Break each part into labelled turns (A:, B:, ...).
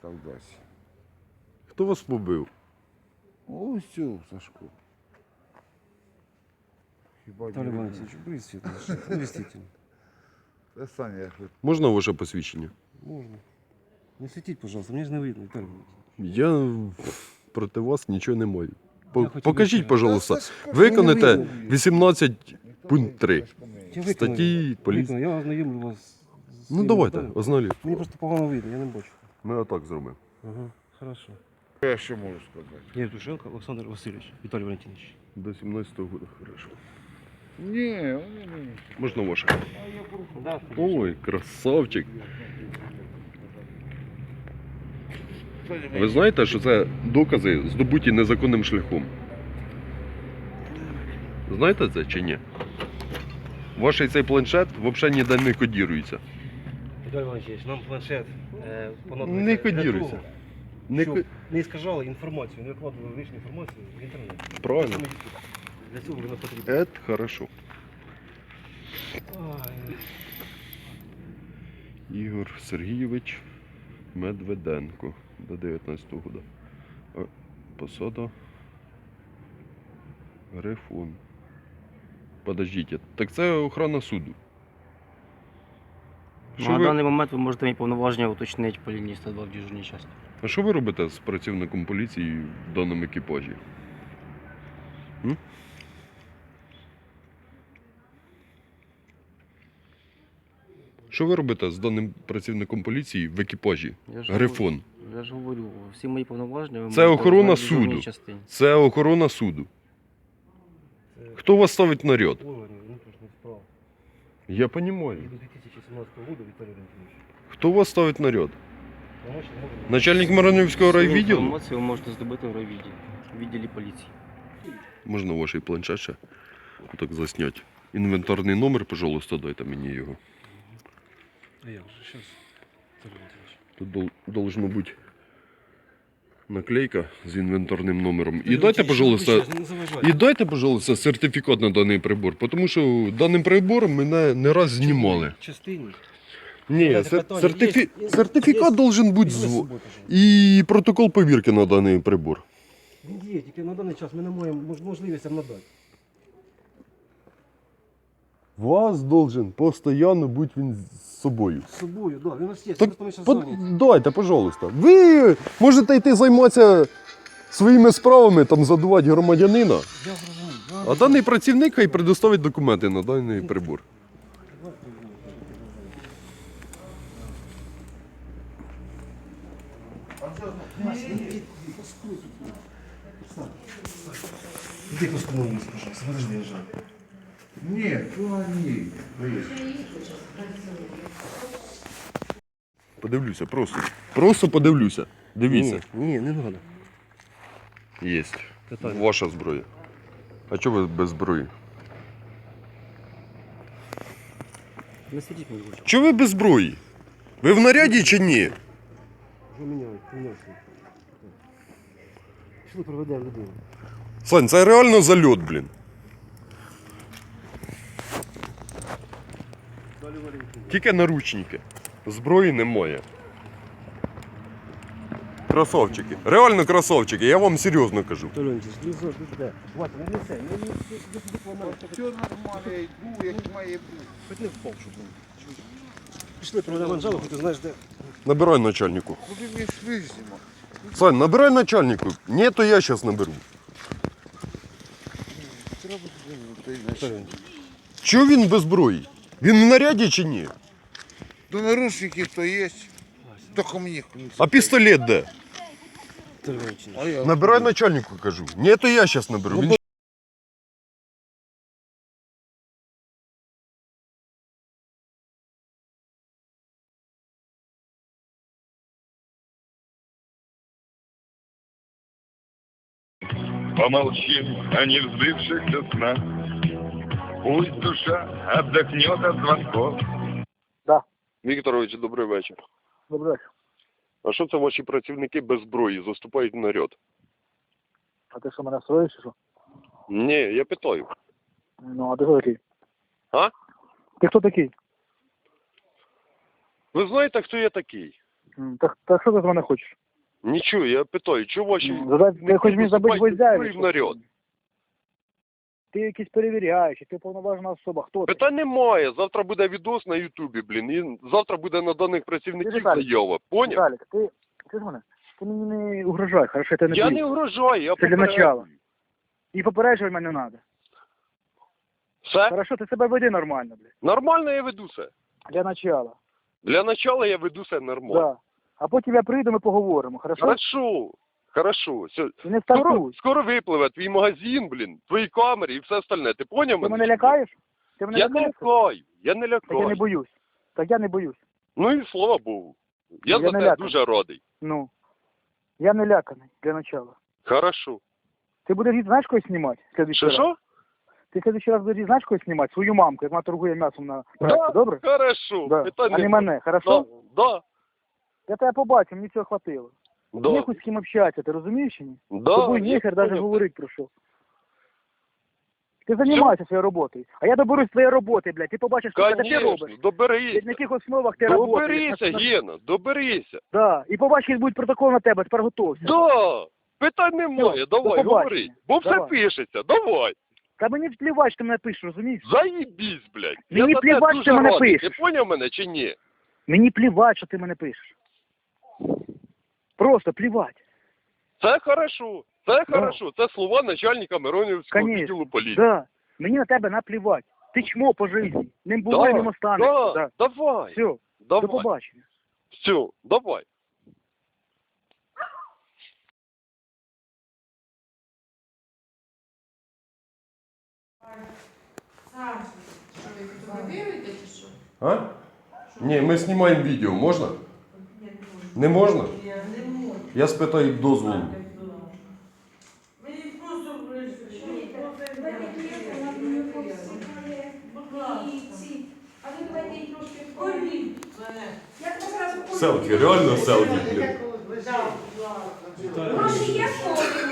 A: Кавказі.
B: Хто вас побив?
A: Ось цю, Сашко. Хіба
C: Виталий Валентинович, быстро, действительно.
A: Це Саня, я хоч.
B: Можна ваше посвідчення?
C: Можно. Не светить, пожалуйста, мне же не видно, Виталий Валентинович.
B: Я проти вас нічого не маю.
C: Я хотів
B: Покажіть,
C: би-
B: пожалуйста.
A: Сашко,
B: Виконайте
C: не видно.
B: 18 пункт 3.
C: Я
B: Статті поліції.
C: Я ознайомлю вас з
B: Ну
C: своїми
B: давайте,
C: даними.
B: озналі.
C: Мені просто погано видно, я не бачу.
B: Ми отак зробимо.
C: Ага, хорошо.
A: Я що можу сказати?
C: Євтушенко Олександр Васильович, Віталій Валентинович.
B: До 17-го року, хорошо.
A: Ні, вони не.
B: Можна ваше?
C: Да,
B: Ой, красавчик. Ви знаєте, що це докази, здобуті незаконним шляхом? Знаєте це чи ні? Ваш цей планшет взагалі ніде не кодірується.
C: Віталій Валентинович, нам планшет понадобиться
B: Не
C: для
B: кодірується.
C: того,
B: Не
C: щоб
B: ко-
C: не іскажали інформацію, не викладували лишню інформацію в інтернет.
B: Правильно.
C: Саме YouTube. Для цього воно потрібно.
B: Це хорошо.
C: Ай,
B: Ігор Сергійович Медведенко до 19-го года. Посада Грифон. Подождіть, так це охрана суду. Що
D: На
B: ви,
D: даний момент ви можете мені повноваження уточнити по лінії 102 в дежурній частині.
B: а що ви робите з працівником поліції в даному екіпажі? М? Що ви робите з даним працівником поліції в екіпажі?
D: Я ж
B: Грифон.
D: Я ж говорю, всі мої повноваження ви
B: Це
D: можете
B: охорона
D: узнати в дежурній
B: суду.
D: частині.
B: Це охорона суду.
C: це
B: Хто вас ставить наряд?
C: органи внутрішніх справ.
B: Я
C: І
B: розумію.
C: до 2017 року, Віталій Валентинович.
B: Хто вас ставить наряд?
C: Помочь не можемо.
B: Начальник Маранівського
D: Свою
B: райвідділу?
D: інформацію ви можете здобути в райвідділі, в відділі поліції.
B: Можна ваш планшет ще так засняти. Інвентарний номер, пожалуйста, дайте мені його.
C: А як же, щас. Віталій Валентинович.
B: Тут должно бути наклейка з інвентарним номером. І дайте, пожалуйста,
C: І...
B: пожалуйста, сертифікат на даний прибор, тому що даним прибором мене не раз знімали.
C: Частині.
B: Ні,
C: Давайте питання. Є-
B: сертифікат
C: є-
B: должен бути
C: Візьми з собою, пожалуйста.
B: і протокол повірки на даний прибор.
C: Він є, тільки на даний час ми не маємо можливість вам надати.
B: Вас должен постійно бути він з собою.
C: З собою, да, він у нас є.
B: Так,
C: Просто ми зараз зайняті.
B: дайте, пожалуйста. Ви можете йти займатися своїми справами, там задувати громадянина,
C: Я зрозумів.
B: а даний працівник хай предоставить документи на даний прибор.
C: Іди постановись, пожалуйста, подожди, я жаль.
A: Ні, то ні.
B: Подивлюся, просто. Просто подивлюся. Дивіться.
C: Ні, не треба.
B: Є.
C: Питання.
B: Ваша зброя. А чого ви без зброї?
C: Не сидіть, мені лучше.
B: Чого ви без зброї? Ви в наряді чи ні?
C: Поміняють, поміняють. Пішли проведемо людину.
B: Сань, це реально зальот, блін. Тільки наручники. Зброї немає. Красавчики. Реально красавчики, я вам серйозно кажу.
C: Толенчик, не зо, де? Вася, не несе, не
A: Все нормально, я йду, як має бути.
C: Хоч не впав, щоб він. Пішли проведемо Анжелу, хоч ти знаєш де.
B: Набирай начальнику.
A: Куди ми йшли зима?
B: Сань, набирай начальнику. Ні, то я зараз наберу.
A: Треба туди,
C: Толенчик.
B: Чого він без зброї? Він в наряді чи ні?
A: до наручників то є. Тільки мені.
B: А пістолет де?
C: Толенчик.
A: А я
B: Набирай начальнику, кажу. Ні, то я зараз наберу. Він...
E: Помолчим о невзбывшихся снах. Пусть душа отдохнет от звонков.
B: Вікторович, добрий вечір.
F: Добре.
B: А що це ваші працівники без зброї заступають в наряд?
F: А ти що, мене строїш, чи що?
B: Ні, я питаю.
F: Ну, а ти хто такий?
B: А?
F: Ти хто такий?
B: Ви знаєте, хто я такий?
F: Так що ти з мене хочеш?
B: Нічого, я питаю, чого ваші...
F: Ти хочеш мені забити гвоздя?
B: в наряд?
F: Ти якийсь перевіряючий, ти повноважена особа. Хто ти?
B: Питань немає, завтра буде відос на Ютубі, блін, і завтра буде на даних працівників
F: Віталік,
B: заява, поняв?
F: Віталік, ти з мене? Ти мені не угрожай, хорошо, я тебе не
B: Я
F: боюсь.
B: не угрожаю, я
F: Це для
B: попереджую.
F: начала. І попереджувати мене не треба.
B: Все?
F: Хорошо, ти себе веди нормально, блядь.
B: Нормально я веду все.
F: Для начала.
B: Для начала я веду все нормально.
F: Да. А потім я прийду, ми поговоримо, хорошо?
B: Хорошо. Все.
F: Ти не стартуй.
B: Скоро випливе твій магазин, блін, твої камери і все остальне. Ти поняв
F: Ти
B: мене?
F: мене лякаєш? Ти мене
B: Я не
F: лякаєш?
B: лякаю, я не
F: Так я не
B: лякаю.
F: боюсь. Так я не боюсь.
B: Ну і слава Богу. Я
F: Я
B: за
F: не
B: це
F: ляканий.
B: дуже радий.
F: Ну. Я не ляканий, для начала.
B: Хорошо.
F: Ти будеш, знаєш, когось знімати?
B: Що?
F: Ти в следующий раз будеш, знаєш, когось знімати? Свою мамку, як вона торгує м'ясом на проекті,
B: Да,
F: добре?
B: хорошо.
F: Да.
B: Питань
F: А не
B: немає.
F: мене, хорошо?
B: Да.
F: Я тебе побачив, мені цього хватило.
B: Да.
F: Є хоч з ким общатися, ти розумієш чи ні?
B: Да.
F: Тобою
B: я
F: нехер навіть
B: понял.
F: говорити про що. Ти займайся своєю роботою. А я доберусь своєї роботи, блядь. Ти побачиш, що ти робиш.
B: Конечно, доберися.
F: На яких основах ти працюєш.
B: Доберися, Гена, доберися.
F: Да. І побачиш, який буде протокол на тебе, тепер готовся.
B: Да. Питань немає,
F: до
B: давай,
F: побачення.
B: говори. Бо все
F: Давай.
B: пишеться, давай.
F: Та мені плівать, що ти мене пишеш, розумієш?
B: Заїбісь, блядь.
F: Мені
B: Я за
F: плівать,
B: це
F: що ти
B: дуже
F: мене
B: радий.
F: пишеш.
B: Ти поняв мене чи ні?
F: Мені плівать, що ти мене пишеш. Просто плівать.
B: Це хорошо, це хорошо. Це слова начальника Миронівського
F: Конечно.
B: відділу поліції.
F: Да. Мені на тебе наплівать. Ти чмо по житті. Ним було
B: Да,
F: і ним останешся.
B: да,
F: Да.
B: давай,
F: Все, до
B: давай,
F: побачення.
B: все, давай.
G: Що ви фотографуєте чи що?
B: А? Ні, ми знімаємо відео, можна? Не можна? Я спитаю дозволу. Селфі, реально селфі, блін.
G: Гроші є форму.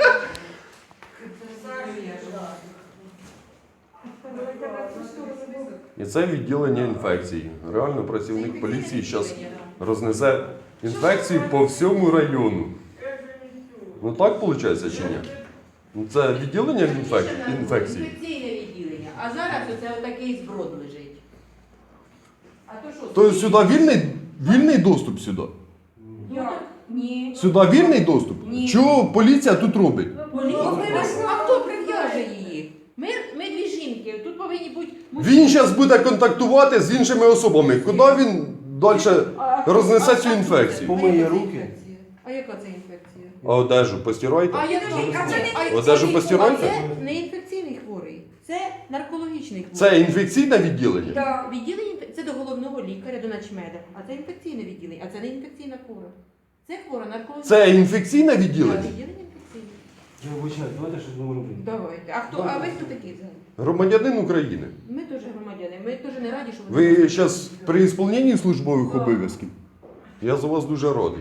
B: І це відділення інфекцій. Реально працівник поліції зараз рознесе інфекцію по всьому району. Ну так виходить чи ні? Ну, це відділення інфекцій.
G: Інфекційне відділення. А зараз оце отакий зброд лежить. А то що?
B: Тобто сюди вільний доступ сюди?
G: Як? Ні.
B: Сюди вільний доступ?
G: Ні.
B: Чого поліція тут робить?
G: А хто прив'яже її? Ми дві жінки. Тут повинні бути
B: Він зараз буде контактувати з іншими особами. Куди він далі рознесе цю інфекцію?
C: Помиє руки.
G: А яка це інфекція?
B: А одежу постирайте?
G: А це не
B: Одежу постирайте?
G: Це не інфекційний хворий, це наркологічний хворий.
B: Це інфекційне відділення?
G: Так, відділення це до головного лікаря, до начмеда, а це інфекційне відділення, а це не інфекційна хвора. Це хвора наркологічна.
B: Це інфекційне
G: Так,
B: відділення?
G: відділення інфекційне.
C: Я вибачаю, давайте щось номер робити.
G: Давайте. А ви хто такий взагалі?
B: Громадянин України.
G: Ми теж громадяни, ми теж не раді, що
B: Ви зараз при ісполненні службових обов'язків? Я за вас дуже радий.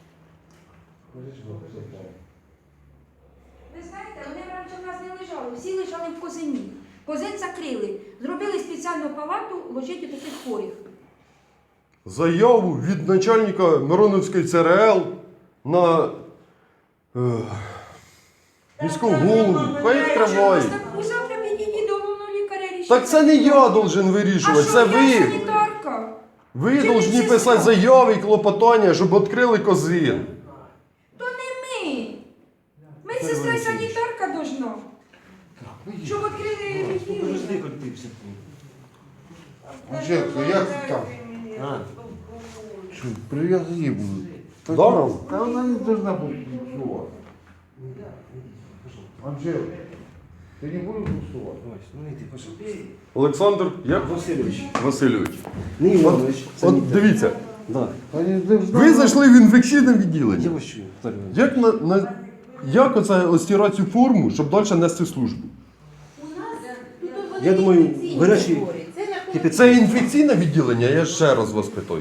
H: Ви знаєте, вони раніше в нас не лежали, всі лежали в Козині. Козин закрили, зробили спеціальну палату, ложить у таких хворих.
B: Заяву від начальника Мироновської ЦРЛ на міського голову. Хай відкриває.
H: Так завтра підійдіть до головного лікаря рішення.
B: Так це не я должен вирішувати, це
H: я
B: ви.
H: санітарка.
B: Ви повинні писати заяви і клопотання, щоб відкрили Козин.
H: То не ми. Медсестра і санітарка должна. Щоб відкрили відділення.
C: Подожди, хоч ти все.
A: Анжелка, як ти там?
C: А,
A: Що, прив'язані будуть?
B: Да?
A: Та вона не должна бути буксувати. Анжелка, ти не будеш буксувати?
C: ось, ну йди, пошли.
B: Олександр
C: Васильович.
B: Васильович.
C: Не Іванович.
B: От дивіться,
C: Да.
A: Та не должна
B: ви зайшли в інфекційне
C: Я
B: відділення.
C: вас чую, Віталій Іванович.
B: Як оце остирати цю форму, щоб далі нести службу?
C: Я думаю, гарячі
B: Це інфекційне відділення, я ще раз вас питаю.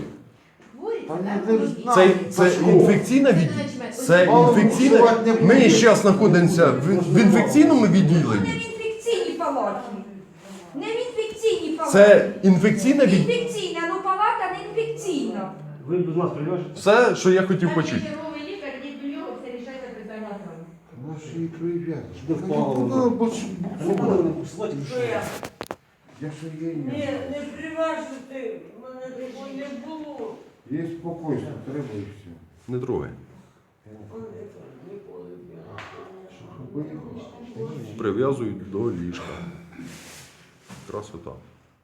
B: Це інфекційне відділення? Це інфекційне. Ми зараз знаходимося в інфекційному
H: Не
B: відділенні.
H: в інфекційній палаті. Не в інфекційній палаті.
B: Це інфекційне відділення.
H: Інфекційна, ну палата не інфекційна.
C: Ви до нас прив'яжете?
B: Все, що я хотів почути.
G: Черговий лікар, йдіть до нього, все рішайте питання там.
A: Наші і прив'язки.
C: Де впало? А не буде мене посилати, ну що?
A: Я ж є
I: Не приважити, мене такого не було.
A: Є спокійно, треба і все.
B: Не трогай. Прив'язують до ліжка. Красота.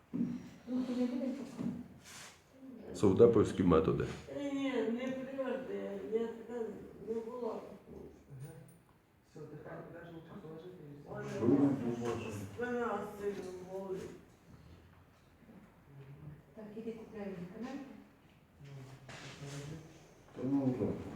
B: Совдеповські методи.
I: Ні, не приважити, я така не була. Спина сильно болить.
G: Так, іди купляй лікаря.
A: Ну, так.